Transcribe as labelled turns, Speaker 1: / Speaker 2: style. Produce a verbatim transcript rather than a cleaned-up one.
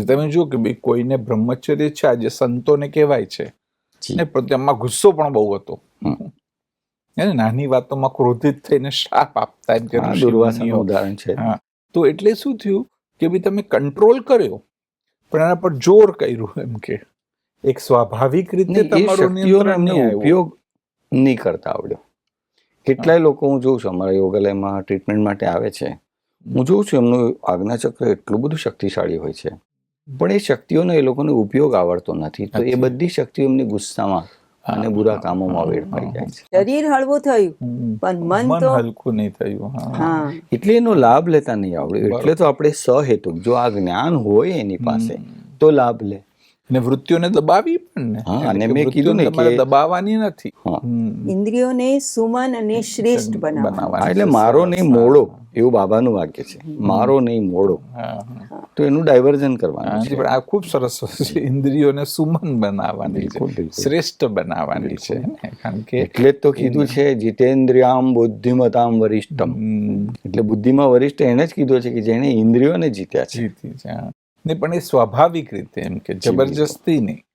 Speaker 1: તમે જુઓ કે ભાઈ કોઈને બ્રહ્મચર્ય છે, આજે સંતોને કહેવાય છે ને, તેમાં ગુસ્સો પણ બહુ હતો. એને નાની વાતોમાં ક્રોધિત થઈને શાપ આપતા, એમ કે
Speaker 2: દુર્વાસાનું ઉદાહરણ છે.
Speaker 1: હા, તો એટલે શું થયું કે ભાઈ તમે કંટ્રોલ કર્યો પણ એના પર જોર કર્યું, એમ કે એક સ્વાભાવિક રીતે તમારું નિયંત્રણ નહીં આવ્યું.
Speaker 2: ઉપયોગ નહીં કરતા આવડ્યો. કેટલાય લોકો હું જોઉં છું અમારા યોગાલયમાં ટ્રીટમેન્ટ માટે આવે છે, હું જોઉં છું એમનું આજ્ઞાચક્ર એટલું બધું શક્તિશાળી હોય છે, પણ એ શક્તિઓનો એ લોકોને ઉપયોગ આવડતો નથી. તો એ બધી શક્તિઓ એમની ગુસ્સામાં અને બુરા કામોમાં વેડફાઈ જાય છે.
Speaker 3: શરીર હળવું થયું પણ મન તો
Speaker 1: હલકું નહીં થયું.
Speaker 3: હા,
Speaker 2: એટલે એનો લાભ લેતા નહીં આવડે. એટલે તો આપણે સહેતુક, જો આ જ્ઞાન હોય એની પાસે તો લાભ લે.
Speaker 1: ને વૃત્તિઓને દબાવી પણ ને.
Speaker 2: હા, અને મેં કીધું ને કે
Speaker 1: દબાવવાની નથી.
Speaker 3: ઇન્દ્રિયોને સુમન અને શ્રેષ્ઠ બનાવવા.
Speaker 2: એટલે મારો નહીં મોડો, એવું બાબાનું વાક્ય છે, મારો નહીં મોડો. તો એનું ડાયવર્ઝન કરવાનું છે.
Speaker 1: પણ આ ખૂબ સરસ છે, ઇન્દ્રિયોને સુમન બનાવવાની છે, શ્રેષ્ઠ બનાવવાની છે. કારણ કે
Speaker 2: એટલે જ તો કીધું છે જીતેન્દ્રિયામ બુદ્ધિમતામ વરિષ્ઠમ. એટલે બુદ્ધિમાં વરિષ્ઠ એને જ કીધું છે કે જેને ઇન્દ્રિયોને જીત્યા છે.
Speaker 1: જીતી છે ને, પણ એ સ્વાભાવિક રીતે, એમ કે જબરજસ્તી નહીં.